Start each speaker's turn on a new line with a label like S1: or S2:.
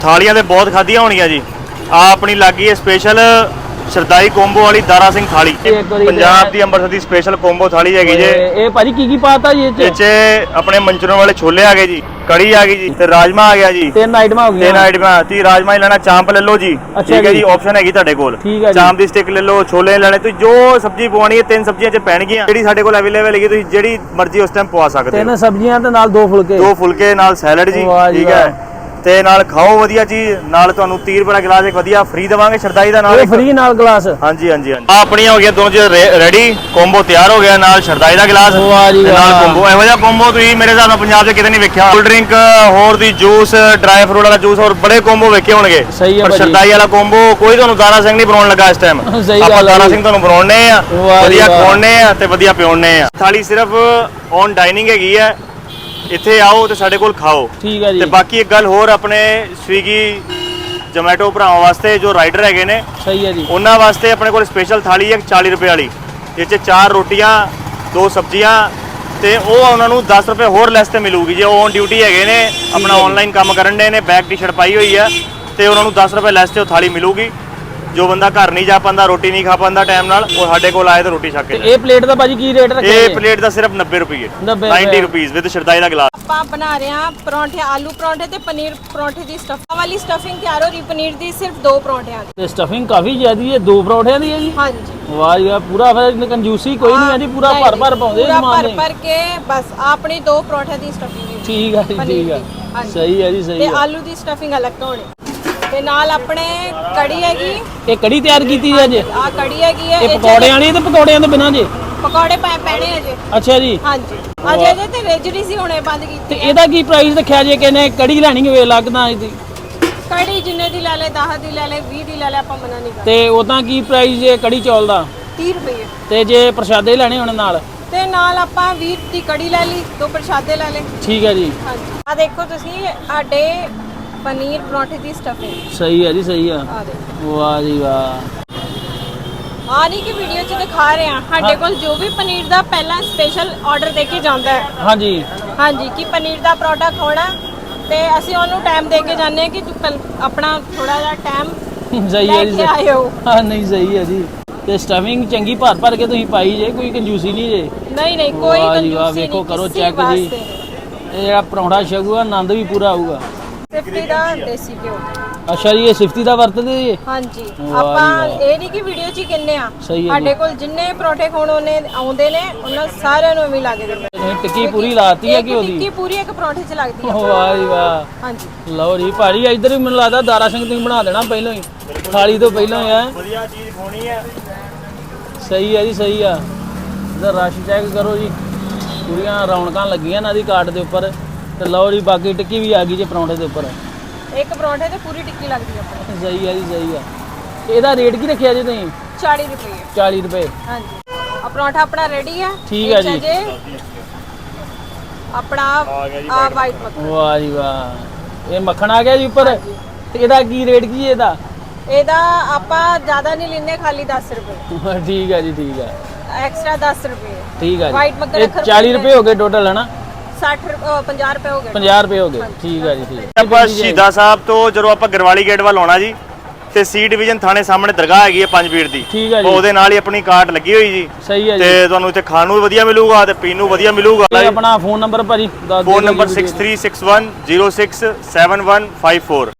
S1: थालियां तो बहुत खादियां होनियां जी। आ अपनी लगी है स्पेशल शरदाई कोंबो वाली दारा सिंह थाली, पंजाब दी अंम੍ਰਿਤਸਰ ਦੀ स्पेशल कोंबो थाली हैगी जे।
S2: ਇਹ ਭਾਜੀ ਕੀ ਪਾਤਾ ਜੀ
S1: ਇਹ ਚ ਆਪਣੇ ਮੰਚੂਰੀਅਨ ਵਾਲੇ ਛੋਲੇ ਆ ਗਏ ਜੀ, कड़ी आ गई जी, ਤੇ ਰਾਜਮਾ ਆ ਗਿਆ ਜੀ।
S2: ਤਿੰਨ ਆਈਟਮਾਂ ਹੋ ਗਈਆਂ।
S1: ਤਿੰਨ ਆਈਟਮਾਂ ਤੀ ਰਾਜਮਾ ਹੀ ਲੈਣਾ, ਚਾਂਪ ਲੈ ਲਓ ਜੀ। ਠੀਕ ਹੈ ਜੀ, ਆਪਸ਼ਨ ਹੈਗੀ ਤੁਹਾਡੇ ਕੋਲ। ਚਾਂਪ ਦੀ ਸਟਿਕ ਲੈ ਲਓ, ਛੋਲੇ ਲੈਣੇ, ਤੁਸੀਂ ਜੋ ਸਬਜ਼ੀ ਪਵਾਣੀ ਹੈ ਤਿੰਨ ਸਬਜ਼ੀਆਂ ਚ ਪੈਣਗੀਆਂ। ਜਿਹੜੀ ਸਾਡੇ ਕੋਲ ਅਵੇਲੇਬਲ ਹੈਗੀ ਤੁਸੀਂ ਜਿਹੜੀ ਮਰਜ਼ੀ ਉਸ ਟਾਈਮ ਪਵਾ ਸਕਦੇ ਹੋ।
S2: ਤਿੰਨ ਸਬਜ਼ੀਆਂ ਤੇ ਨਾਲ ਦੋ ਫੁਲਕੇ
S1: ਨਾਲ ਸੈਲਡ ਜੀ। ਠੀਕ ਹੈ, ਤੇ ਨਾਲ ਖਾਓ ਵਧੀਆ ਚੀਜ਼, ਨਾਲ ਤੁਹਾਨੂੰ 30 ਰੁਪਏ ਦਾ ਗਲਾਸ ਇੱਕ ਵਧੀਆ ਫ੍ਰੀ ਦੇਵਾਂਗੇ ਸ਼ਰਦਾਈ ਦਾ ਨਾਲ
S2: ਫ੍ਰੀ ਨਾਲ ਗਲਾਸ।
S1: ਹਾਂਜੀ ਹਾਂਜੀ ਹਾਂਜੀ। ਆ ਆਪਣੀਆਂ ਹੋ ਗਈਆਂ ਦੋਨੋਂ ਚੀਜ਼ ਰੈਡੀ, ਕੋਂਬੋ ਤਿਆਰ ਹੋ ਗਿਆ, ਨਾਲ ਸ਼ਰਦਾਈ ਦਾ ਗਲਾਸ ਤੇ ਨਾਲ ਕੋਂਬੋ। ਇਹੋ ਜਿਹਾ ਕੋਂਬੋ ਤੁਸੀਂ ਮੇਰੇ ਹਿਸਾਬ ਨਾਲ ਪੰਜਾਬ 'ਚ ਕਿਤੇ ਨਹੀਂ ਵੇਖਿਆ। ਕੋਲਡ ਡਰਿੰਕ ਹੋਰ ਦੀ ਜੂਸ, ਡਰਾਈ ਫਰੂਟ ਵਾਲਾ ਜੂਸ, ਹੋਰ ਬੜੇ ਕੋਂਬੋ ਵੇਖੇ ਹੋਣਗੇ, ਪਰ ਸ਼ਰਦਾਈ ਵਾਲਾ ਕੋਂਬੋ ਕੋਈ ਤੁਹਾਨੂੰ ਦਾਰਾ ਸਿੰਘ ਨਹੀਂ ਬਣਾਉਣ ਲੱਗਾ ਇਸ ਟਾਈਮ। ਆਪਾਂ ਦਾਰਾ ਸਿੰਘ ਤੁਹਾਨੂੰ ਬਣਾਉਣੇ ਆ, ਵਧੀਆ ਖਵਾਉਣੇ ਆ ਤੇ ਵਧੀਆ ਪਿਉਣੇ ਆ। ਥਾਲੀ ਸਿਰਫ ਔਨ ਡਾਈਨਿੰਗ ਹੈਗੀ ਹੈ, ਇੱਥੇ ਆਓ ਤੇ ਸਾਡੇ ਕੋਲ ਖਾਓ।
S2: ਠੀਕ ਹੈ ਜੀ।
S1: ਤੇ ਬਾਕੀ ਇੱਕ ਗੱਲ ਹੋਰ, ਆਪਣੇ ਸਵੀਗੀ ਜੋਮੈਟੋ ਭਰਾਵਾਂ ਵਾਸਤੇ ਜੋ ਰਾਈਡਰ ਹੈਗੇ ਨੇ,
S2: ਸਹੀ ਹੈ ਜੀ,
S1: ਉਹਨਾਂ ਵਾਸਤੇ ਆਪਣੇ ਕੋਲ ਸਪੈਸ਼ਲ ਥਾਲੀ ਹੈ 40 ਰੁਪਏ ਵਾਲੀ, ਜਿਸ 'ਚ 4 ਰੋਟੀਆਂ 2 ਸਬਜ਼ੀਆਂ, ਤੇ ਉਹ ਉਹਨਾਂ ਨੂੰ 10 ਰੁਪਏ ਹੋਰ ਲੈਸ ਤੇ ਮਿਲੂਗੀ। ਜੇ ਉਹ ਔਨ ਡਿਊਟੀ ਹੈਗੇ ਨੇ, ਆਪਣਾ ਆਨਲਾਈਨ ਕੰਮ ਕਰਨ ਦੇ ਨੇ, ਬੈਕ ਟੀ-ਸ਼ਰਟ ਪਾਈ ਹੋਈ ਹੈ, ਤੇ ਉਹਨਾਂ ਨੂੰ 10 ਰੁਪਏ ਲੈਸ ਤੇ ਉਹ ਥਾਲੀ ਮਿਲੂਗੀ। ਜੋ ਬੰਦਾ ਘਰ ਨਹੀਂ ਜਾ ਪਾਉਂਦਾ, ਰੋਟੀ ਨਹੀਂ ਖਾ ਪਾਉਂਦਾ ਟਾਈਮ ਨਾਲ, ਉਹ ਸਾਡੇ ਕੋਲ ਆਏ ਤਾਂ ਰੋਟੀ ਛਕ ਕੇ।
S2: ਇਹ ਪਲੇਟ ਦਾ ਭਾਜੀ ਕੀ ਰੇਟ ਰੱਖਿਆ?
S1: ਇਹ ਪਲੇਟ ਦਾ ਸਿਰਫ 90 ਰੁਪਏ, 90 ਰੁਪਏ ਵਿਦ ਸ਼ਰਦਾਈ ਦਾ ਗਲਾਸ।
S3: ਆਪਾਂ ਬਣਾ ਰਹੇ ਹਾਂ ਪਰੌਂਠੇ, ਆਲੂ ਪਰੌਂਠੇ ਤੇ ਪਨੀਰ ਪਰੌਂਠੇ ਦੀ ਸਟਫਿੰਗ ਵਾਲੀ ਸਟਫਿੰਗ ਤਿਆਰ ਹੋ ਰਹੀ, ਪਨੀਰ ਦੀ ਸਿਰਫ 2 ਪਰੌਂਠਿਆਂ ਦੀ।
S2: ਤੇ ਸਟਫਿੰਗ ਕਾਫੀ ਜ਼ਿਆਦੀ ਹੈ, 2 ਪਰੌਂਠਿਆਂ ਦੀ ਹੈ ਜੀ।
S3: ਹਾਂਜੀ,
S2: ਵਾਹ ਜੀ ਵਾਹ, ਪੂਰਾ ਫਿਰ ਕੰਜੂਸੀ ਕੋਈ ਨਹੀਂ ਹੈ ਜੀ, ਪੂਰਾ ਭਰ ਪਾਉਂਦੇ
S3: ਸਮਾਨ ਨੇ, ਭਰ ਕੇ ਬਸ ਆਪਣੀ 2 ਪਰੌਂਠਿਆਂ ਦੀ ਸਟਫਿੰਗ।
S2: ਠੀਕ ਹੈ ਜੀ, ਠੀਕ ਹੈ, ਸਹੀ ਹੈ ਜੀ, ਸਹੀ ਹੈ।
S3: ਤੇ ਆਲੂ ਦੀ ਸਟਫਿੰਗ ਅਲੱਗ ਤੋਂ ਹੋਣੀ, ਤੇ ਨਾਲ ਆਪਣੇ ਕੜੀ ਹੈਗੀ।
S2: ਇਹ ਕੜੀ ਤਿਆਰ ਕੀਤੀ ਹੈ ਜੀ?
S3: ਆ ਕੜੀ ਹੈਗੀ ਹੈ।
S2: ਇਹ ਪਕੌੜਿਆਂ ਵਾਲੀ ਤੇ ਪਕੌੜਿਆਂ ਤੋਂ ਬਿਨਾਂ ਜੀ?
S3: ਪਕੌੜੇ ਪੈਣੇ ਆ ਜੀ।
S2: ਅੱਛਾ ਜੀ।
S3: ਹਾਂਜੀ, ਅਜੇ ਇਹਦੇ ਤੇ ਰੇਜਰੀ ਸੀ, ਹੁਣੇ ਬੰਦ ਕੀਤੀ।
S2: ਤੇ ਇਹਦਾ ਕੀ ਪ੍ਰਾਈਸ ਰੱਖਿਆ ਜੇ? ਕਿਨੇ ਕੜੀ ਲੈਣੀ ਹੋਵੇ ਲੱਗਦਾ ਇਹਦੀ?
S3: ਕੜੀ ਜਿੰਨੇ ਦੀ ਲੈ ਲੈ, 10 ਦੀ ਲੈ ਲੈ, 20 ਦੀ ਲੈ ਲੈ, ਆਪਾਂ ਮਨਾ ਨਹੀਂ ਕਰਦੇ।
S2: ਤੇ ਉਦਾਂ ਕੀ ਪ੍ਰਾਈਸ ਜੇ ਕੜੀ ਚੌਲ ਦਾ?
S3: 30 ਰੁਪਏ।
S2: ਤੇ ਜੇ ਪ੍ਰਸ਼ਾਦੇ ਲੈਣੇ ਹੋਣ ਨਾਲ?
S3: ਤੇ ਨਾਲ ਆਪਾਂ 20 ਦੀ ਕੜੀ ਲੈ ਲਈ, 2 ਪ੍ਰਸ਼ਾਦੇ ਲੈ ਲੈ।
S2: ਠੀਕ ਹੈ ਜੀ।
S3: ਹਾਂਜੀ, ਆ ਦੇਖੋ ਤੁਸੀਂ, ਸਾਡੇ ਪਨੀਰ ਪਰੌਂਠੇ ਦੀ ਸਟਫਿੰਗ।
S2: ਸਹੀ ਹੈ ਜੀ, ਸਹੀ ਆ।
S3: ਆ ਦੇਖੋ,
S2: ਵਾਹ ਜੀ ਵਾਹ।
S3: ਆ ਨਹੀਂ ਕਿ ਵੀਡੀਓ 'ਚ ਦਿਖਾ ਰਹੇ ਆ, ਸਾਡੇ ਕੋਲ ਜੋ ਵੀ ਪਨੀਰ ਦਾ ਪਹਿਲਾਂ ਸਪੈਸ਼ਲ ਆਰਡਰ ਦੇ ਕੇ ਜਾਂਦਾ ਹੈ।
S2: ਹਾਂਜੀ
S3: ਹਾਂਜੀ, ਕਿ ਪਨੀਰ ਦਾ ਪਰੌਂਠਾ ਖਾਣਾ, ਤੇ ਅਸੀਂ ਉਹਨੂੰ ਟਾਈਮ ਦੇ ਕੇ ਜਾਂਦੇ ਆ ਕਿ ਤੂੰ ਆਪਣਾ ਥੋੜਾ ਜਿਹਾ ਟਾਈਮ
S2: ਸਹੀ ਹੈ ਜੀ,
S3: ਆਇਓ।
S2: ਹਾਂ ਨਹੀਂ ਸਹੀ ਹੈ ਜੀ। ਤੇ ਸਟਫਿੰਗ ਚੰਗੀ ਭਰ ਕੇ ਤੁਸੀਂ ਪਾਈ ਜੇ, ਕੋਈ ਕੰਜੂਸੀ ਨਹੀਂ ਜੇ?
S3: ਨਹੀਂ ਨਹੀਂ, ਕੋਈ ਕੰਜੂਸੀ ਨਹੀਂ।
S2: ਵੇਖੋ, ਕਰੋ ਚੈੱਕ ਜੀ, ਇਹ ਜਿਹੜਾ ਪਰੌਂਠਾ ਛਕੂਗਾ ਆਨੰਦ ਵੀ ਪੂਰਾ ਆਊਗਾ।
S3: ਸਿਫਤੀ ਦਾ ਦੇਸੀ ਘਿਓ।
S2: ਅੱਛਾ ਜੀ, ਇਹ ਸਿਫਤੀ ਦਾ ਵਰਤਦੇ ਜੀ?
S3: ਹਾਂਜੀ, ਆਪਾਂ ਇਹ ਨਹੀਂ ਕਿ ਵੀਡੀਓ 'ਚ ਹੀ ਕਿੰਨੇ ਆ, ਸਾਡੇ ਕੋਲ ਜਿੰਨੇ ਪਰੌਂਠੇ ਖਾਣ ਆਉਂਦੇ ਨੇ ਉਹਨਾਂ ਸਾਰਿਆਂ ਨੂੰ ਵੀ ਲਾ ਕੇ ਦਿੰਦੇ।
S2: ਟਿੱਕੀ ਪੂਰੀ ਲਾਤੀ ਹੈ ਕਿ ਉਹਦੀ?
S3: ਟਿੱਕੀ ਪੂਰੀ ਇੱਕ ਪਰੌਂਠੇ 'ਚ ਲੱਗਦੀ ਹੈ।
S2: ਵਾਹ ਜੀ ਵਾਹ।
S3: ਹਾਂਜੀ,
S2: ਲਓ ਜੀ ਭਾਜੀ, ਇੱਧਰ ਵੀ ਮੈਨੂੰ ਲੱਗਦਾ ਦਾਰਾ ਸਿੰਘ ਤੁਸੀਂ ਬਣਾ ਦੇਣਾ ਪਹਿਲਾਂ ਹੀ, ਥਾਲੀ ਤੋਂ ਪਹਿਲਾਂ ਹੀ ਹੈ।
S1: ਵਧੀਆ ਚੀਜ਼ ਖਾਣੀ ਹੈ।
S2: ਸਹੀ ਹੈ ਜੀ, ਸਹੀ ਆ। ਇਧਰ ਰਸ਼ ਚੈੱਕ ਕਰੋ ਜੀ, ਪੂਰੀਆਂ ਰੌਣਕਾਂ ਲੱਗੀਆਂ ਇਹਨਾਂ ਦੀ ਕਾਟ ਦੇ ਉੱਪਰ। ਤੇ ਲਓ ਜੀ, ਬਾਕੀ ਟਿੱਕੀ ਵੀ ਆ ਗਈ ਜੇ ਪਰੌਂਠੇ ਦੇ ਉੱਪਰ।
S3: ਇੱਕ ਪਰੌਂਠੇ ਤੇ ਪੂਰੀ ਟਿੱਕੀ ਲੱਗਦੀ ਹੈ ਆਪਣੇ।
S2: ਸਹੀ ਹੈ ਜੀ, ਸਹੀ ਆ। ਇਹਦਾ ਰੇਟ ਕੀ ਰੱਖਿਆ ਜੀ ਤੁਸੀਂ?
S3: 40 ਰੁਪਏ।
S2: 40 ਰੁਪਏ।
S3: ਹਾਂਜੀ, ਆ ਪਰੌਂਠਾ ਆਪਣਾ ਰੈਡੀ ਹੈ।
S2: ਠੀਕ ਹੈ ਜੀ।
S3: ਆਪਣਾ ਆ ਵਾਈਟ ਮੱਖਣ।
S2: ਵਾਹ ਜੀ ਵਾਹ, ਇਹ ਮੱਖਣ ਆ ਗਿਆ ਜੀ ਉੱਪਰ। ਤੇ ਇਹਦਾ ਕੀ ਰੇਟ ਕੀ ਹੈ ਇਹਦਾ?
S3: ਇਹਦਾ ਆਪਾਂ ਜ਼ਿਆਦਾ ਨਹੀਂ ਲੈਨੇ, ਖਾਲੀ 10 ਰੁਪਏ।
S2: ਠੀਕ ਹੈ ਜੀ, ਠੀਕ ਹੈ,
S3: ਐਕਸਟਰਾ 10 ਰੁਪਏ।
S2: ਠੀਕ ਹੈ ਜੀ।
S3: ਵਾਈਟ ਮੱਖਣ
S2: 40 ਰੁਪਏ ਹੋ ਗਏ ਟੋਟਲ ਹੈ ਨਾ?
S3: 50 ਰੁਪਏ ਹੋ ਗਏ।
S2: 50 ਰੁਪਏ ਹੋ ਗਏ, ਠੀਕ ਹੈ ਜੀ, ਠੀਕ ਹੈ।
S1: ਆਪਾਂ ਸ਼ਹੀਦਾਂ ਸਾਹਿਬ ਤੋਂ ਜਦੋਂ ਆਪਾਂ ਗਰਵਾਲੀ ਗੇਟ ਵੱਲ ਆਉਣਾ ਜੀ, ਤੇ ਸੀ ਡਿਵੀਜ਼ਨ ਥਾਣੇ ਸਾਹਮਣੇ ਦਰਗਾਹ ਹੈਗੀ ਹੈ 5 ਫੀਟ ਦੀ।
S2: ਠੀਕ ਹੈ ਜੀ।
S1: ਉਹਦੇ ਨਾਲ ਹੀ ਆਪਣੀ ਕਾਰਟ ਲੱਗੀ ਹੋਈ ਜੀ।
S2: ਸਹੀ ਹੈ ਜੀ।
S1: ਤੇ ਤੁਹਾਨੂੰ ਇੱਥੇ ਖਾਣ ਨੂੰ ਵੀ ਵਧੀਆ ਮਿਲੂਗਾ ਤੇ ਪੀਣ ਨੂੰ ਵਧੀਆ ਮਿਲੂਗਾ।
S2: ਆਪਣਾ ਫੋਨ ਨੰਬਰ ਭਾਜੀ ਦੱਸ ਦਿਓ।
S1: Phone number 6361067154।